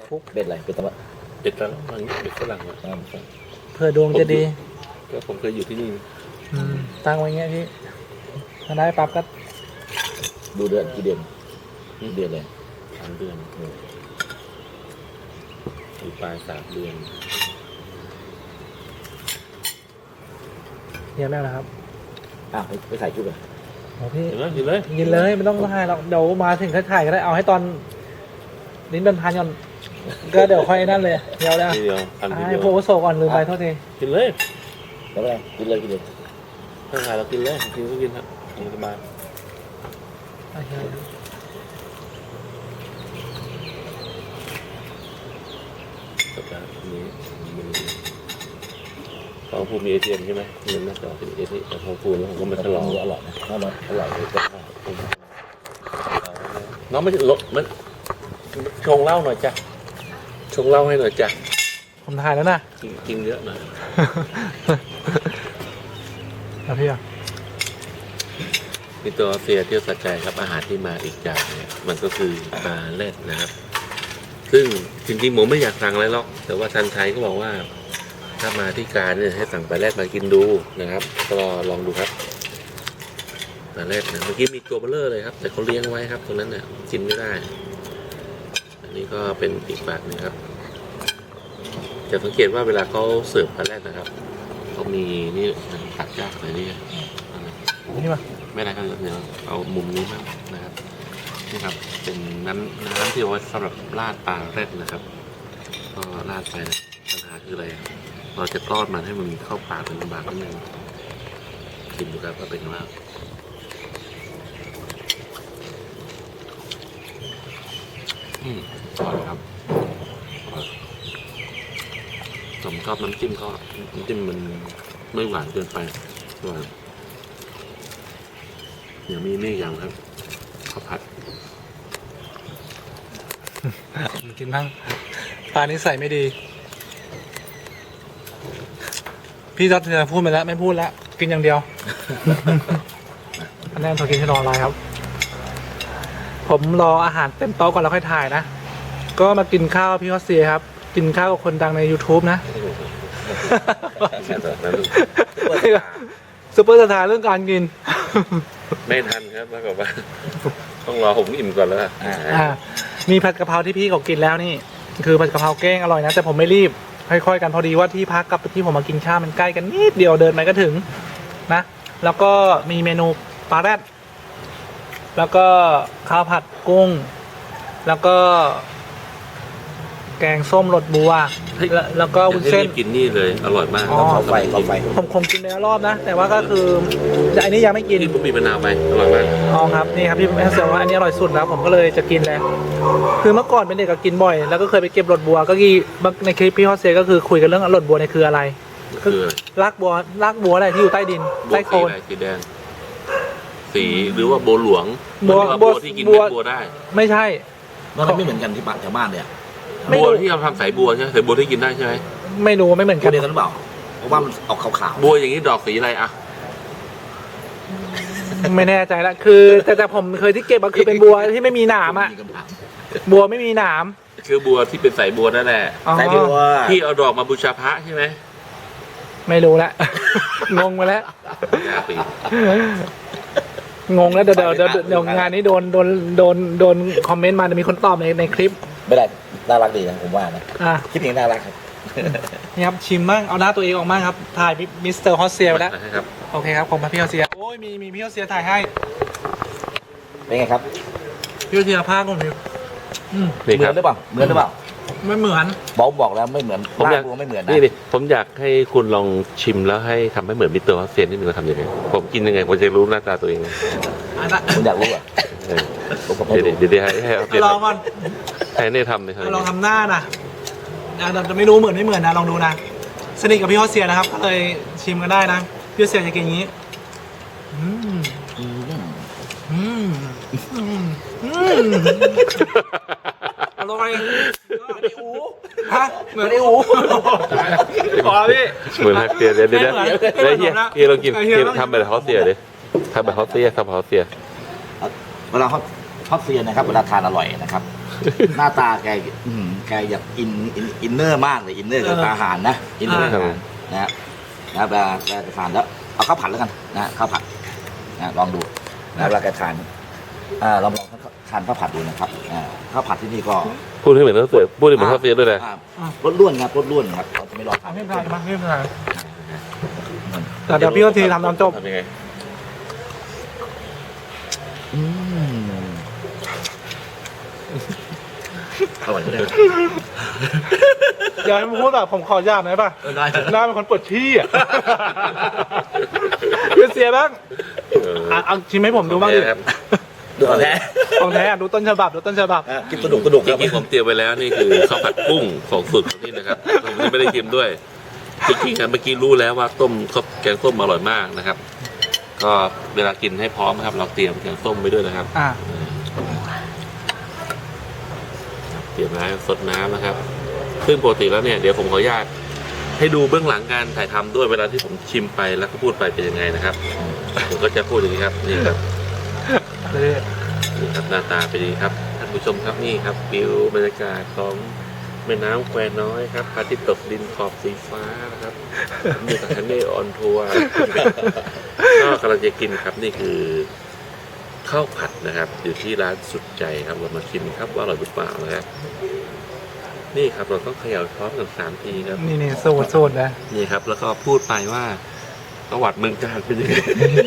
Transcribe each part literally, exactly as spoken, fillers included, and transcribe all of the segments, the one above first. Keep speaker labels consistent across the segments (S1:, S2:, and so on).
S1: คลุก
S2: เป็ดอะไรเป็ดตะวัน
S3: เป็ดฝรั่งมันเป็ดฝรั่งอะ
S1: เผื่อดวงจะดี
S3: ก็ผมเคยอยู่ที่นี่
S1: อืมตั้งไว้เงี้ยพี่ถ้าได้ปั๊บก็
S2: ดูเดือนกี่เดือนกี่เดือนเลย
S3: สามเดือนอยู่ปลายสามเดือน
S1: เยี่ยมแล้วนะครับ
S2: อ้าวไม่ไม่ใส่ชุดเลย
S1: โอ้พี่
S3: เห็นไหมเห็นเลย
S1: กินเลยไม่ต้องถ่ายหรอกเดี๋ยวมาถึงถ่ายก็ได้เอาให้ตอนลิ้นเป็นพันก่อนก็เดี๋ยวค่อยนั่นเลยเดี๋ยวแล้ว
S3: ทีเดียวทำทีเดี
S1: ให้
S3: ยว
S1: โพโซก่อนลืมไปโทษที
S3: กินเลย
S2: แล้วอะไรกินเลยกินเลย
S3: ถ้าถ่ายเรากินเลยกินก็กินครับสบาย
S1: โอเค
S3: สัปดาห์นี้มีของภูมิมีเอทีเอ็มใช่ไหมเงินน่าจะเป็นเอทีเอ็มแต่ของภูมิแล้วผมก็มาฉลอง
S2: อร่อยนะอร่อยอร่อยเลยก็
S3: น้องไม่ลดมันชงเหล้าหน่อยจ้ะชงเหล้าให้หน่อยจ้ะ
S1: ผมถ่ายแล้วนะ
S3: กินกินเยอะหน่อย
S1: แล้วพี่อ่ะ
S3: มีตัวเฟียเที่ยวสัจใจครับอาหารที่มาอีกอย่างเนี่ยมันก็คือปลาแรดนะครับ ซึ่งจริงๆผมไม่อยากสั่งอะไรหรอกแต่ว่าทันไทยก็บอกว่า ถ้ามาที่การเนี่ยให้สั่งปลาแรดมากินดูนะครับก็ลองดูครับปลาแรดนะเมื่อกี้มีตัวเบลเลอร์เลยครับ แต่เขาเลี้ยงไว้ครับตรงนั้นเนี่ยกินไม่ได้ อันนี้ก็เป็นอีกแบบหนึงครับจะสังเกตว่าเวลาเขาเสิร์ฟปลาแรดนะครับเขามีนี่ตัดยากเลยนี่
S1: นี่มา
S3: ไม่ได้ก็เดี๋ยวเอามุมนี้มากนะครับนี่ครับเป็นน้ำน้ำที่เอาไว้สำหรับราดปลาแรดนะครับก็ราดไปนะปัญหาคืออะไรเราจะทอดมันให้มันเข้าปากเป็นลำบากนิดนึงชิมดูครับว่าเป็นยังไงอืมอร่อยครับผมชอบน้ำจิ้มเขาน้ำจิ้มมันไม่หวานเกินไปอร่อยเดี๋ยวมีนี่อย่างครับข้าวผัด
S1: กินบ้างปลานี้ใส่ไม่ดี พี่จ๊อดจะพูดไปแล้วไม่พูดแล้วกินอย่างเดียว อันนี้เรากินที่รออะไรครับ ผมรออาหารเต็มโต๊ะก่อนแล้วค่อยถ่ายนะ ก็มากินข้าวพี่ฮอสเซียครับ กินข้าวกับคนดังใน YouTube นะ ซุปเปอร์สตาร์เรื่องการกิน
S3: ไม่ทันครับแล้วก็ว่า ต้องรอผมอิ่มก่อนแล้วอ่ะ
S1: อ่ามีผัดกะเพราที่พี่เขากินแล้วนี่ คือผัดกะเพราแกงอร่อยนะแต่ผมไม่รีบค่อยๆกันพอดีว่าที่พักกับที่ผมมากินข้าวมันใกล้กันนิดเดียวเดินไปก็ถึงนะแล้วก็มีเมนูปลาแรดแล้วก็ข้าวผัดกุ้ง แล้วก็ แกงส้มรสบัวแล้วแล้วก็วุ้นเส้น
S3: รีบกินนี่เลยอร่อยมาก
S1: อ๋อ
S2: เขาไฟเขาไฟ
S1: ผมคงกินไปแล้วรอบนะ แต่ว่าก็คือแต่อันนี้ยังไม่กิน
S3: นี่ผมมีมะนาวไปอร่อยมาก
S1: อ๋อครับนี่ครับพี่แม่เสือว่าอันนี้อร่อยสุดแล้วผมก็เลยจะกินแล้วคือเมื่อก่อนเป็นเด็กก็กินบ่อย แล้วก็เคยไปเก็บรสบัวก็คือในคลิปพี่ฮอสเซียก็คือคุยกันเรื่องรสบัวเนี่ยคืออะไร
S3: คือ
S1: รากบัวรากบัวอะไรที่อยู่ใต้ดิน
S3: บัว
S1: ใต้โค
S3: สี
S1: ลน
S3: อะไรสีแดงสีหรือว่าบัวหลวง
S1: บัว
S3: หรือว่า
S1: บั
S3: บั
S1: ว
S3: วที่กิน
S1: บั
S3: เม็
S1: ว
S3: ดบัวได้
S1: ไม่ใช่
S2: มันไม่เหมือนกันที่บ้านแถวบ้านเนี่ย
S1: ไม่รู้
S3: บัวที่เราทำสายบัวใช่ไหมสายบัวที่กินได้ใช่ไหม
S1: ไม่รู้ไม่เหมือน
S2: กั
S1: กัน น
S2: เดียวกันหรือเปล่าเพราะว่ามันออกขาว
S3: บัวอย่างนี้ดอกสีอะไรอ่ะ
S1: ไม่แน่ใจละคือ แต่แต่ผมเคยที่เก็บมาคือเป็นบัวที่ไม่มีหนามอ่ะ
S2: มีคำถาม
S1: บัวไม่มีหนาม
S3: คือบัวที่เป็นสายบัวนั่นแหละ
S1: อ๋อ
S2: ใส่บัว
S3: ที่เอาดอกมาบูชาพระใช่ไหม
S1: ไม่รู้ละ งงไปแล้ว
S3: ยาปี
S1: งงแล้วเดี๋ยวเดี๋ยวเดี๋ยวเดี๋ยวงานนี้โดนโดนโดนโดนคอมเมนต์มาจะมีคนตอบในในคลิป
S2: ไม่ได้น่ารักดีนะผมว่านะ
S1: อ่ะ
S2: คิดเองน่ารักครับ
S1: นี่ครับชิมบ้างเอาหน้าตัวเองออกมาครับถ่ายมิสเตอร์ฮอสเซียไปแล้ว
S3: ครับ
S1: โอเคครับผมมาพี่ฮอสเซียโอ้ยมีมีพี่ฮอสเซียถ่ายให้
S2: เป็นไงครับ
S1: พี่ฮอสเซียภาคผมอยู่อืม
S3: นี่
S2: เหมื
S3: ค
S2: อ
S3: รับ
S2: นหรือเปล่าเหมือนหรือเปล่า
S1: ไม่เหมือน
S2: บอกบอกแล้วไม่เหมือน
S3: ผมอยาก
S2: บ้นบัวไม่เหมือนนะ
S3: นี่ดิผมอยากให้คุณลองชิมแล้วให้ทำให้เหมือนมิสเตอร์ฮอสเซียนนิดนึงว่าทำยังไงผมกินยังไงผมจะรู้หน้าตาตัวเอง
S1: อันละ
S2: ผมอยากรู้อ่ะ
S3: เออ
S2: ผมก็ไม่
S3: เดี๋ยว
S2: รู้
S3: เดี๋ยวให้ให้เอาเดี๋ยว
S1: ลองก่อน
S3: ให้เนี่ยทำเลยครับ
S1: ลองทำหน้านะแต่จะไม่รู้เหมือนไม่เหมือนนะลองดูนะสนิทกับพี่ฮอสเซียนะครับก็เลยชิมกันได้นะพี่ฮอสเซียจะกินอย่างนี้อืม
S2: อืม
S1: อืมอืมอืมอร่อยฮะเหมือนไอ้อูขอพี่
S3: เหมือนฮักเซียเดี๋ยวเดี๋ยวเดี๋ยว
S1: ไม่
S3: เดี๋ยว
S1: เหมื
S3: เฮี
S1: อย น
S3: เฮียลองกิน
S1: เฮีย
S3: เฮีย
S1: ลองกิน
S3: ทำแบบฮอสเซียดิทำแบบฮอสเซียทำแบบฮอสเซีย
S2: เวลาเขาทอดเซียนนะครับเวลาทานอร่อยนะครับหน้าตาแกอืมแกอยากอินอินอินเนอร์มากเลยอินเนอร์กับอาหารนะอินเนอร์กับอาหารนะฮะนะเวลาเวลาจะทานแล้วเอาข้าวผัดแล้วกันนะข้าวผัดนะลองดูนะเวลาแกทานอ่าลองลองทานข้าวผัดดูนะครับอ่าข้าวผัดที่นี่ก็
S3: พูดให้เหมือนข้าวเสียพูดให้เหมือนข้าวเสียด้วยนะ
S2: อ่ารสล้วนครับรสล้วนครับเราจะไม่รอทาน
S1: ไม่เป็นไรมาไม่เป็นไรแต่เดี๋ยวพี่ก็ทีทำน้ำจบ
S3: ทำยังไง
S2: อืมอร่อยเลย
S1: อย่าให้มันพูดแบบผมขออนุญาตหน่อยป่ะ
S2: ได้
S1: หน้าเป็นคนปวดขี้อ่ะเป็นเสียบ้าง
S3: เออ
S1: อ่ะเอาชิมให้ผมดูบ้างดิ
S3: ครับ
S2: ดูก่อนแท้
S1: ของแท้อ่ะดูต้นฉบับดูต้นฉบับ
S2: กินสนุกสนุก
S3: จ
S2: ครับ
S3: ริงๆผมเตรียมไว้แล้วนี่คือข้าวผัดกุ้งของสุดของนี่นะครับผมยังไม่ได้ชิมด้วยจริงๆครับเมื่อกี้รู้แล้วว่าต้มข้าวแกงส้มอร่อยมากนะครับ ก็เวลากินให้พร้อมนะครับ เราเตรียมแกงส้มไว้ด้วยนะครับ
S1: อ่า
S3: เตรียมน้ำสดน้ำนะครับ ซึ่งปกติแล้วเนี่ยเดี๋ยวผมขออนุญาตให้ดูเบื้องหลังการถ่ายทำด้วยเวลาที่ผมชิมไปแล้วก็พูดไปเป็นยังไงนะครับผมก็จะพูดอย่างนี้ครับนี่ครับ นี่ครับหน้าตาเป็นอย่างนี้ครับท่านผู้ชมครับนี่ครับวิวบรรยากาศของแม่น้ำแควน้อยครับพระอาทิตย์ตกดินขอบสีฟ้านะครับผมอยู่กับฮันเน่ออนทัวร์ก็กำลังจะกินครับนี่คือข้าวผัดนะครับอยู่ที่ร้านสุดใจครับเรามาชิมครับว่าอร่อยหรือเปล่านะครับนี่ครับเราต้องเขย่าช้อนกันสามทีครับ
S1: นี่นี่สูตรสูตรนะ
S3: นี่ครับแล้วก็พูดไปว่าประวัติเมืองการเป็นยังไง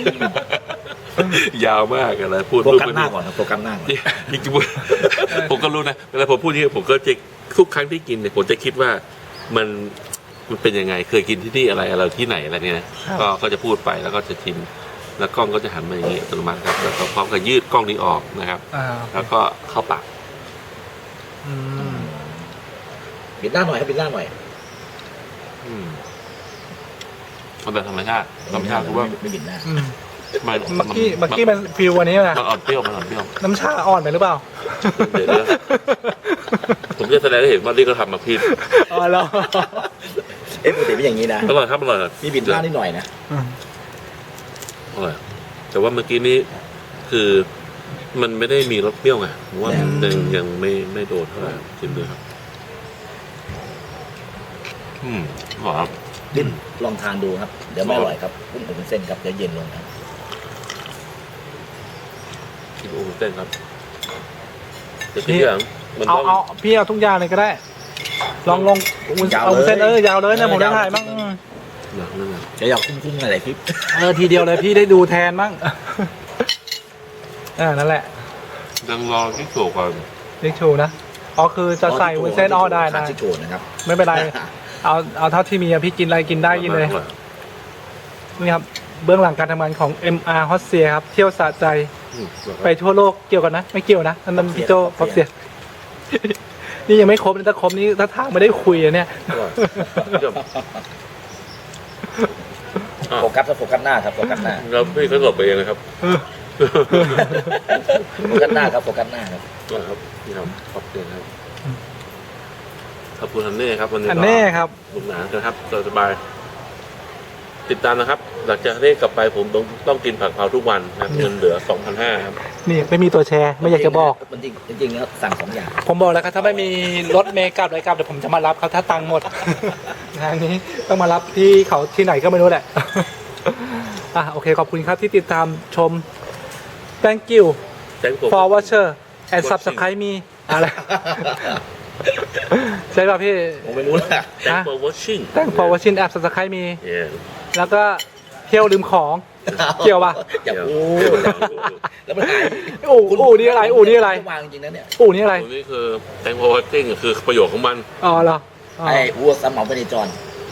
S3: ยาวมากอะไรพูด
S2: โฟกัสหน้าก่อนครับโฟกัสหน้าก่อน
S3: จริงๆผมก็รู้นะเวลาผมพูดอย่างนี้ผมก็จะทุกครั้งที่กินเนี่ยผมจะคิดว่ามันมันเป็นยังไงเคยกินที่นี่อะไรอะไรที่ไหนอะไรเนี่ยนะก็ก็จะพูดไปแล้วก็จะชิมแล้วกล้องก็จะหันมาอย่างนี้อัตโนมัติครับแล้วก็พร้อมกับยืดกล้องนี้ออกนะครับ
S1: อ่า
S3: แล้วก็เข้าปาก
S1: อืม
S2: ปิดหน้าหน่อยครับปิดหน้าหน่อย
S3: อืมมันแบบธรรมชาติธรรมชาติคือว่า
S2: ไม่ปิดหน้า
S1: อืม
S3: มัน
S1: เมื่อกี้เมื่อกี้มันฟิววันนี้นะ
S3: มันอ่อนเปรี้ยวมันอ่อนเปรี้ยว
S1: น้ำชาอ่อนไปหรือเปล่า
S3: เดี๋ยวนะผมจะแสดงให้เห็นว่านี่ก็ทำมาผิด
S1: อ๋อแล้ว
S2: เอ๊ะปกติเป็นอย่างนี้นะ
S3: อร่อยครับอร่อย
S2: มีปิดหน้านิดหน่อยนะ
S3: อร่อยแต่ว่าเมื่อกี้นี้คือมันไม่ได้มีรสเปรี้ยวไงผมว่ายังยังไม่ไม่โดนเท่าไหร่ชิมด้วยครับ อืมหอม
S2: ดิ้นลองทานดูครับเดี๋ยวไม่อร่อยครับกุ้งอบวุ้นเส้นครับเดี๋ยวเย็นลงครับ
S3: กินโอ้โหเส้นครับแต่พี่อย่างมัน
S1: เอา
S3: ต้อง
S1: เอาพี่เอาทุกอย่างเลยก็ได้ ลองลงเอาเส้นเออยาวเลยนะผมได้ถ่ายบ้าง
S3: หนักนั่นแหละ
S2: จะอยากคุ้มๆอะไรคลิป
S1: เออทีเดียวเลยพี่ได้ดูแทนบ้างเออนั่นแหละ
S3: ยังรอที่โฉก่อน
S1: เรียกชูนะอ๋อคือจะใส่วุ้นเส้นอ้อได้ได้
S2: ชิโกนะครับ
S1: ไม่เป็นไร เอาเอาเท่าที่มีอะพี่กินอะไรกินได้กินเลย
S3: อร่อ
S1: นี่ครับเบื้องหลังการทำงานของ เอ็ม อาร์ ฮอสเซียครับเที่ยวสะใจ
S3: อืม
S1: ไปทั่วโลกเกี่ยวกันนะ ไม่เกี่ยวนะนั่นมันพี่โจฮอสเซีย นี่ยังไม่ครบเลยถ้าครบนี้ถ้าทางไม่ได้คุยอะเนี่ย
S3: อร่อยเยี่ยมอ่ะ
S2: โฟกัสครับโฟกัสหน้าครับโฟกัสหน้า
S3: แล้วพี่ก็หลบไปเองนะครับ
S2: โฟกัสหน้าครับโฟกัสหน้าครับ
S3: อร่อยครับนี่ครับขอบคุณครับขอบคุณทันเน่ครับวันนี้
S1: อัน
S3: ก็
S1: แน่ครับ
S3: สนุกสนานนะครับสบายๆติดตามนะครับ หลังจากนี้กลับไปผมต้องต้องกินผักเผาทุกวันนะครับเงินเหลือ สองพันห้าร้อย ครับ
S1: นี่ไม่มีตัวแชร์ไม่อยากจะบอก
S2: มันจริงจริงๆแล้วสั่งสองอย่าง
S1: ผมบอกแล้วครับถ้าไม่มีรถเมล์กลับอะไรกลับเดี๋ยวผมจะมารับเขาถ้าตังค์หมด งานนี้ต้องมารับที่เขาที่ไหนก็ไม่รู้แหละ อ่ะโอเคขอบคุณครับที่ติดตามชม thank you
S3: Thank you
S1: for watcher and subscribe me อะไร ใช่ป่ะพี่
S2: ผมไม่รู้นะ
S3: Thank for watching
S1: thank for watching app subscribe me
S3: Yeah
S1: แล้วก็เที่ยวลืมของ เกี่ยวป่ะ
S2: อย่าพูดแล้วมันหาย
S1: อู่อู่นี่อะไรอู่นี่อะไร
S2: วางจริงนะเนี่ย
S1: อู่นี่อะไร
S3: ตรงนี้คือ Thank for watching คือประโยชน์ของมัน
S1: อ๋อเหรออ๋อ
S2: ไอ้วัวสมเหมาไปในจอน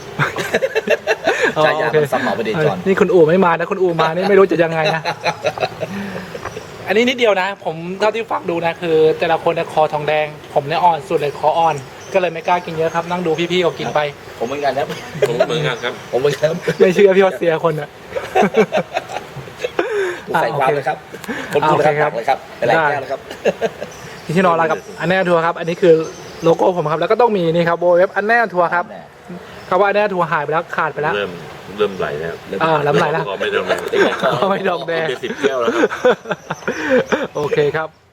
S1: อ๋อ
S2: ชายา
S1: โอเค
S2: มันสมเหมาไปในจอน
S1: นี่คุณอู่ไม่มานะคุณอู่มานี่ไม่รู้จะยังไงนะ อันนี้นิดเดียวนะ ผมเท่าที่ฟังดูนะคือ แต่ละคนเนี่ยคอทองแดง ผมเนี่ยอ่อนสุดเลยคออ่อน ก็เลยไม่กล้ากินเยอะครับ นั่งดูพี่ๆเขากินไป
S2: ผมเหมือนกันครับ
S3: ผมเหมือนกันครับ
S2: ผมเหมือนกัน
S1: ไม่เชื่อพี่ฮอสเซียคนอ่ะ
S2: ผมใส่ความเลยครับผม
S1: อ่า
S2: พูด
S1: โอเค
S2: เลย
S1: ค
S2: ค
S1: รั
S2: รับ บเลยครับเป็นไรแก้วเลยครับ
S1: ที่นอนอะไรกับอันแน่ทัวร์ครับ อันนี้คือโลโก้ผมครับ แล้วก็ต้องมีนี่ครับโบเว็บอันแน่ทัวร์ครับคำว่าอันแน่ทัวร์หายไปแล้วขาดไปแล้ว
S3: เริ่มเริ่มไหลแล้ว
S1: อ่าล้ำไหลแล้ว
S3: ขอไม่เริ่มไหล
S1: ไม่ดอกแดง
S3: เป็นสิบแก้วแล้วครับ
S1: โอเคครับ